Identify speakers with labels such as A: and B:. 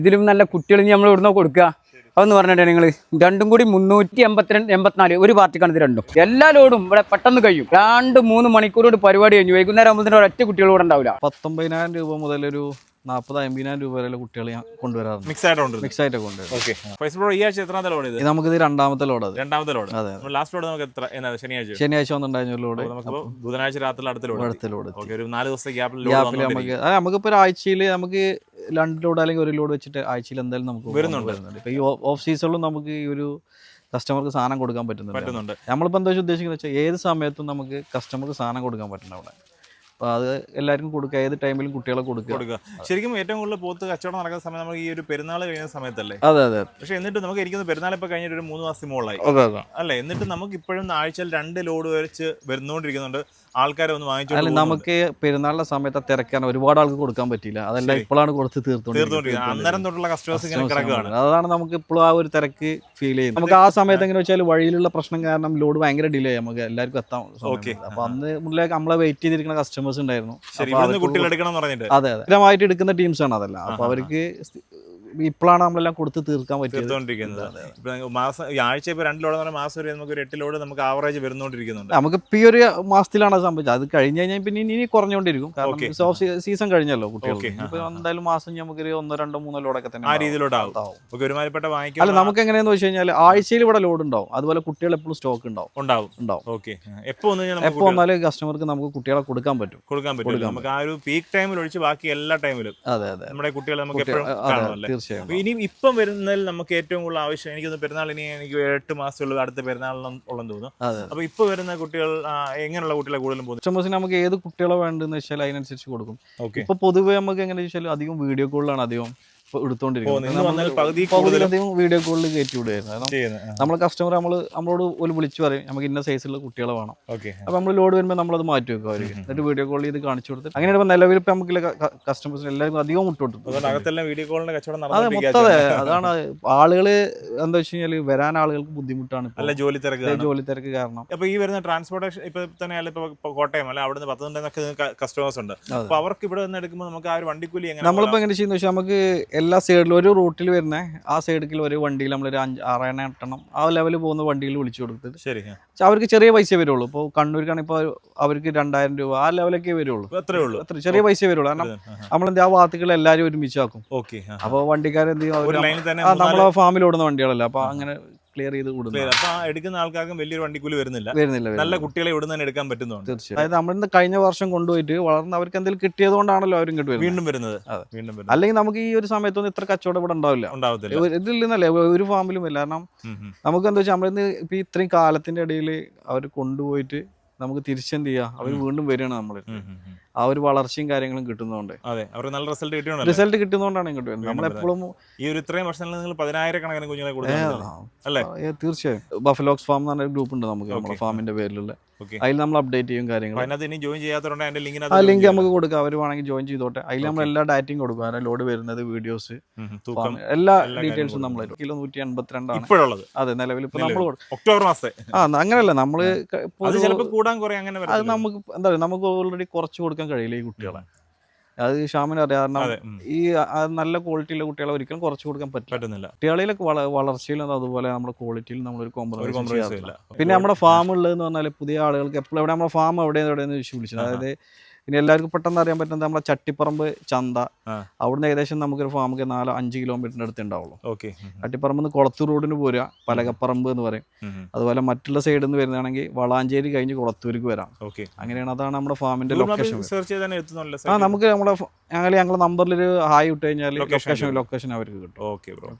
A: ഇതിലും നല്ല കുട്ടികൾ നമ്മൾ ഇവിടുന്ന് കൊടുക്കുക. അതെന്ന് പറഞ്ഞിട്ട് നിങ്ങൾ രണ്ടും കൂടി 382 ഒരു പാർട്ടിക്കാണ് ഇത് രണ്ടും. എല്ലാ ലോഡും ഇവിടെ പെട്ടെന്ന് കഴിയും. 2-3 മണിക്കൂർ കൊണ്ട് പരിപാടി കഴിഞ്ഞു. വൈകുന്നേരം ആകുമ്പോൾ ഒരൊറ്റ കുട്ടികൾ കൂടെ ഉണ്ടാവില്ല.
B: 19,000 രൂപ മുതൽ ഒരു 40-50,000 രൂപ വരെ കുട്ടികളെ ഞാൻ കൊണ്ടുവരാറുണ്ട്.
C: മിക്സ് ആയിട്ട്
B: കൊണ്ടുവരും.
C: ഈ ആഴ്ച എത്രാമത്തെ ലോഡ് ഇത്?
B: നമുക്കിത് രണ്ടാമത്തെ ലോഡ്.
C: അതെ. ലാസ്റ്റ് ലോഡ് നമുക്ക് എത്ര
B: ശനിയാഴ്ച വന്നിട്ടുണ്ടായിരുന്ന ലോഡ്.
C: നമുക്ക് ബുധനാഴ്ച രാത്രി അടുത്ത ലോഡ്. ഒരു 4 ദിവസത്തെ ഗ്യാപ്പിൽ
B: നമുക്കിപ്പോ ഒരാഴ്ചയിൽ നമുക്ക് 2 ലോഡ് അല്ലെങ്കിൽ 1 ലോഡ് വെച്ചിട്ട് ആഴ്ചയിൽ എന്തായാലും നമുക്ക് വരുന്നുണ്ട്. ഇപ്പൊ ഈ ഓഫ് സീസണിലും നമുക്ക് ഈ ഒരു കസ്റ്റമർക്ക് സാധനം കൊടുക്കാൻ പറ്റുന്നുണ്ട്. നമ്മളിപ്പോൾ എന്താ ഉദ്ദേശിക്കുന്നത് വെച്ചാൽ ഏത് സമയത്തും നമുക്ക് കസ്റ്റമർക്ക് സാധനം കൊടുക്കാൻ പറ്റുന്നുണ്ട് അവിടെ. അപ്പോൾ അത് എല്ലാവർക്കും കൊടുക്കുക, ഏത് ടൈമിലും കുട്ടികളെ കൊടുക്കുക.
C: ശരിക്കും ഏറ്റവും കൂടുതൽ പോത്ത് കച്ചവടം നടക്കുന്ന സമയം നമുക്ക് ഈ ഒരു പെരുന്നാൾ കഴിയുന്ന സമയത്തല്ലേ?
B: അതെ.
C: പക്ഷേ എന്നിട്ട് നമുക്ക് ഇരിക്കുന്ന പെരുന്നാൾ ഇപ്പോൾ കഴിഞ്ഞിട്ട് ഒരു 3 മാസത്തിന് മുകളിലായി അല്ലേ? എന്നിട്ട് നമുക്ക് ഇപ്പോഴും ആഴ്ചയിൽ 2 ലോഡ് വെച്ച് വരുന്നോണ്ടിരിക്കുന്നുണ്ട്. ആൾക്കാരെ ഒന്ന് വാങ്ങിച്ചു.
B: അല്ല, നമുക്ക് പെരുന്നാളിന്റെ സമയത്ത് തിരക്കാൻ ഒരുപാട് ആൾക്ക് കൊടുക്കാൻ പറ്റില്ല. അതെല്ലാം ഇപ്പോഴാണ് കൊടുത്ത് തീർത്തോണ്ടിരിക്കുന്നത്.
C: അന്നേരം തൊട്ടുള്ള കസ്റ്റമേഴ്സ് ഇങ്ങനെ കിടക്കുകയാണ്.
B: അതാണ് നമുക്ക് ഇപ്പോഴും ആ ഒരു തിരക്ക് ഫീൽ ചെയ്യുന്നത്. നമുക്ക് ആ സമയത്ത് എങ്ങനെ വെച്ചാൽ വഴിയിലുള്ള പ്രശ്നം കാരണം ലോഡ് ഭയങ്കര ഡിലേ നമുക്ക് എല്ലാവർക്കും എത്താം. അപ്പൊ അന്ന് മുന്നിലേക്ക് നമ്മളെ വെയിറ്റ് ചെയ്തിരിക്കുന്ന കസ്റ്റമേഴ്സ് ഉണ്ടായിരുന്നു. അതെ. സ്ഥിരമായിട്ട് എടുക്കുന്ന ടീംസാണ് അതെല്ലാം. അപ്പൊ അവർക്ക് ഇപ്പോഴാണ് നമ്മളെല്ലാം കൊടുത്ത് തീർക്കാൻ
C: പറ്റിയത്. മാസം ആഴ്ച ഇപ്പോൾ 2 ലോഡ് മാസം വരെ നമുക്ക് ഒരു 8 ലോഡ് നമുക്ക് ആവറേജ് വരുന്നോണ്ടിരിക്കുന്നുണ്ട്.
B: നമുക്ക് ഇപ്പൊ ഈ ഒരു മാസത്തിലാണ് അത് സംഭവിച്ചത്. അത് കഴിഞ്ഞ് കഴിഞ്ഞാൽ പിന്നെ ഇനി കുറഞ്ഞുകൊണ്ടിരിക്കും. കാരണം സീസൺ കഴിഞ്ഞല്ലോ കുട്ടികൾക്ക്. ഇപ്പൊ എന്തായാലും മാസം നമുക്കൊരു 1, 2, 3 ലോഡൊക്കെ തന്നെ
C: ആ രീതിയിലോട്ടാവും.
B: അല്ല, നമുക്ക് എങ്ങനെയാന്ന് വെച്ച് കഴിഞ്ഞാൽ ആഴ്ചയിൽ ഇവിടെ ലോഡ് ഉണ്ടാവും. അതുപോലെ കുട്ടികൾ എപ്പോഴും സ്റ്റോക്ക് ഉണ്ടാവും. എപ്പോ വന്നാലും കസ്റ്റമർക്ക് നമുക്ക് കുട്ടികളെ കൊടുക്കാൻ പറ്റും.
C: നമുക്ക് ആ ഒരു പീക്ക് ടൈമിൽ ഒഴിച്ച് ബാക്കി എല്ലാ ടൈമിലും നമ്മുടെ കുട്ടികളെ നമുക്ക് എപ്പോഴും കാണാമല്ലേ. ഇനി ഇപ്പം വരുന്നതിൽ നമുക്ക് ഏറ്റവും കൂടുതൽ ആവശ്യം എനിക്ക് പെരുന്നാളിനി എനിക്ക് 8 മാസമുള്ള അടുത്ത പെരുന്നാളിനുള്ളെന്ന് തോന്നുന്നു. അപ്പൊ ഇപ്പൊ വരുന്ന കുട്ടികൾ എങ്ങനെയുള്ള കുട്ടികളെ കൂടുതലും
B: കസ്റ്റമേഴ്സിന് നമുക്ക് ഏത് കുട്ടികളെ വേണ്ടെന്ന് വെച്ചാൽ അതിനനുസരിച്ച് കൊടുക്കും. ഇപ്പൊ പൊതുവെ നമുക്ക് എങ്ങനെ വെച്ചാൽ അധികം വീഡിയോ കോളിലാണ് അധികം എടുത്തോണ്ടിരിക്കുന്നത്. വീഡിയോ കോളിൽ കയറ്റി വിടുകയായിരുന്നു. കാരണം നമ്മളെ കസ്റ്റമർ നമ്മളോട് ഒരു വിളിച്ചു പറയും നമുക്ക് ഇന്ന സൈസുള്ള കുട്ടികളെ വേണം. അപ്പൊ നമ്മൾ ലോഡ് വരുമ്പോൾ നമ്മളത് മാറ്റി വെക്കും അവർക്ക്. എന്നിട്ട് വീഡിയോ കോൾ ചെയ്ത് കാണിച്ചു കൊടുത്തിട്ട് അങ്ങനെ നിലവിൽ ഇപ്പൊ നമുക്ക് കസ്റ്റമേഴ്സിന് എല്ലാവർക്കും അധികം മുട്ടോട്ടും. അതെ. അതാണ് ആളുകള് എന്താ വെച്ച് കഴിഞ്ഞാൽ വരാൻ ആളുകൾക്ക് ബുദ്ധിമുട്ടാണ്.
C: ജോലി
B: തിരക്ക് കാരണം.
C: അപ്പൊ ഈ വരുന്ന ട്രാൻസ്പോർട്ടേഷൻ ഇപ്പൊ തന്നെ ഇപ്പൊ കോട്ടയം അല്ല അവിടുന്ന് 10 കസ്റ്റമേഴ്സ് ഉണ്ട്. അപ്പൊ അവർക്ക് ഇവിടെ നിന്ന് എടുക്കുമ്പോൾ നമുക്ക് ആ ഒരു വണ്ടിക്കൂലി
B: നമ്മളിപ്പോ എങ്ങനെ ചെയ്യുന്ന വെച്ചാൽ നമുക്ക് എല്ലാ സൈഡിലും ഒരു റൂട്ടിൽ വരുന്ന ആ സൈഡിൽ ഒരു വണ്ടിയിൽ നമ്മളൊരു 6-8 ആ ലെവലിൽ പോകുന്ന വണ്ടിയിൽ വിളിച്ചു കൊടുത്തിട്ട് അവർക്ക് ചെറിയ പൈസ വരുള്ളൂ. ഇപ്പോൾ കണ്ണൂർക്കാണ് ഇപ്പോൾ അവർക്ക് 2,000 രൂപ ആ ലെവലൊക്കെ വരുള്ളൂ. അത്ര ചെറിയ പൈസ വരുള്ളൂ. കാരണം നമ്മളെന്താ ആ ഭാഗത്തുകൾ എല്ലാവരും ഒരുമിച്ചാക്കും. അപ്പോൾ വണ്ടിക്കാരെന്ത് ചെയ്യും, നമ്മളെ ഫാമിൽ ഓടുന്ന വണ്ടികളല്ല. അപ്പൊ അങ്ങനെ ക്ലിയർ ചെയ്ത് കൊടുക്കും.
C: എടുക്കുന്ന ആൾക്കാർക്കും വലിയൊരു വണ്ടിക്കൂലി വരുന്നില്ല. നല്ല കുട്ടികളെ ഇവിടെ നിന്ന് എടുക്കാൻ പറ്റുന്നുണ്ട്.
B: തീർച്ചയായും. അതായത് നമ്മളിന്ന് കഴിഞ്ഞ വർഷം കൊണ്ടുപോയിട്ട് വളർന്ന് അവർക്ക് എന്തെങ്കിലും കിട്ടിയത് കൊണ്ടാണല്ലോ അവരും
C: വീണ്ടും വരുന്നത്.
B: അല്ലെങ്കിൽ നമുക്ക് ഈ ഒരു സമയത്തൊന്നും ഇത്ര കച്ചവടം ഇവിടെ ഉണ്ടാവില്ല. ഇതിൽ നിന്നല്ലേ ഒരു ഫാമിലും ഇല്ല. കാരണം നമുക്ക് എന്താ വെച്ചാൽ നമ്മളിന്ന് ഇപ്പൊ ഇത്രയും കാലത്തിന്റെ ഇടയിൽ അവർ കൊണ്ടുപോയിട്ട് നമുക്ക് തിരിച്ചെന്ത് ചെയ്യാം, അവർ വീണ്ടും വരികയാണ്. നമ്മൾ ആ ഒരു വളർച്ചയും കാര്യങ്ങളും കിട്ടുന്നതുകൊണ്ട്
C: അവർക്ക് നല്ല
B: റിസൾട്ട് കിട്ടുന്നതുകൊണ്ടാണ് ഇങ്ങോട്ട് വരുന്നത്. നമ്മളെപ്പോഴും
C: ഈ ഒരു ഇത്രയും വർഷങ്ങളിൽ നിങ്ങൾ 10,000-കണക്കിന് കുഞ്ഞുങ്ങളെ കൊടുക്കുന്നുണ്ടല്ലേ?
B: തീർച്ചയായും. ബഫലോക്സ് ഫാം എന്ന് പറഞ്ഞ ഗ്രൂപ്പ് ഉണ്ട് നമുക്ക് നമ്മുടെ ഫാമിന്റെ പേരിലുള്ള. അതിൽ നമ്മൾ അപ്ഡേറ്റ് ചെയ്യും കാര്യങ്ങൾ. ആ ലിങ്ക് നമുക്ക് കൊടുക്കാം. അവർ വേണമെങ്കിൽ ജോയിൻ ചെയ്തോട്ടെ. അതിൽ നമ്മൾ എല്ലാ ഡാറ്റയും കൊടുക്കും. അതിന്റെ ലോഡ് വരുന്നത്, വീഡിയോസ്, എല്ലാ ഡീറ്റെയിൽസും നമ്മൾ കിലോ 182 അതെ നിലവിൽ ഇപ്പൊ നമ്മൾ
C: ഒക്ടോബർ മാസത്തെ
B: അങ്ങനെയല്ല നമ്മള്
C: അത്
B: നമുക്ക് എന്താ പറയുക, നമുക്ക് ഓൾറെഡി കുറച്ച് കൊടുക്കാൻ കഴിയില്ല ഈ കുട്ടികളെ. അത് ഷാമിന് അറിയാം. കാരണം ഈ നല്ല ക്വാളിറ്റിയുള്ള കുട്ടികളെ ഒരിക്കലും കുറച്ച് കൊടുക്കാൻ പറ്റുന്നില്ല. കുട്ടികളിലൊക്കെ വളർച്ചയിലും അതുപോലെ നമ്മുടെ ക്വാളിറ്റിയിലും നമ്മളൊരു കോംപ്രമൈസ് ഇല്ല. പിന്നെ നമ്മുടെ ഫാം ഉള്ളതെന്ന് പറഞ്ഞാൽ പുതിയ ആളുകൾക്ക് എപ്പോഴും എവിടെ നമ്മുടെ ഫാം എവിടെയെന്ന് വിളിച്ചത്. അതായത് ഇനി എല്ലാവർക്കും പെട്ടെന്ന് അറിയാൻ പറ്റുന്നത് നമ്മുടെ ചട്ടിപ്പറമ്പ് ചന്ത. അവിടുന്ന് ഏകദേശം നമുക്കൊരു ഫാമൊക്കെ 4-5 കിലോമീറ്ററിന്റെ അടുത്ത് ഉണ്ടാവുള്ളൂ. ചട്ടിപ്പറമ്പ് നിന്ന് കൊളത്തൂർ റോഡിന് പോരുക, പലകപ്പറമ്പ് എന്ന് പറയും. അതുപോലെ മറ്റുള്ള സൈഡിൽ നിന്ന് വരുന്നതാണെങ്കിൽ വളാഞ്ചേരി കഴിഞ്ഞ് കൊളത്തൂർക്ക് വരാം. അങ്ങനെയാണ്. അതാണ് നമ്മുടെ ഫാമിന്റെ ലൊക്കേഷൻ. നമുക്ക് നമ്മുടെ ഞങ്ങളുടെ നമ്പറിൽ ഒരു ഹായ് ഇട്ട് കഴിഞ്ഞാൽ ലൊക്കേഷൻ അവർക്ക് കിട്ടും.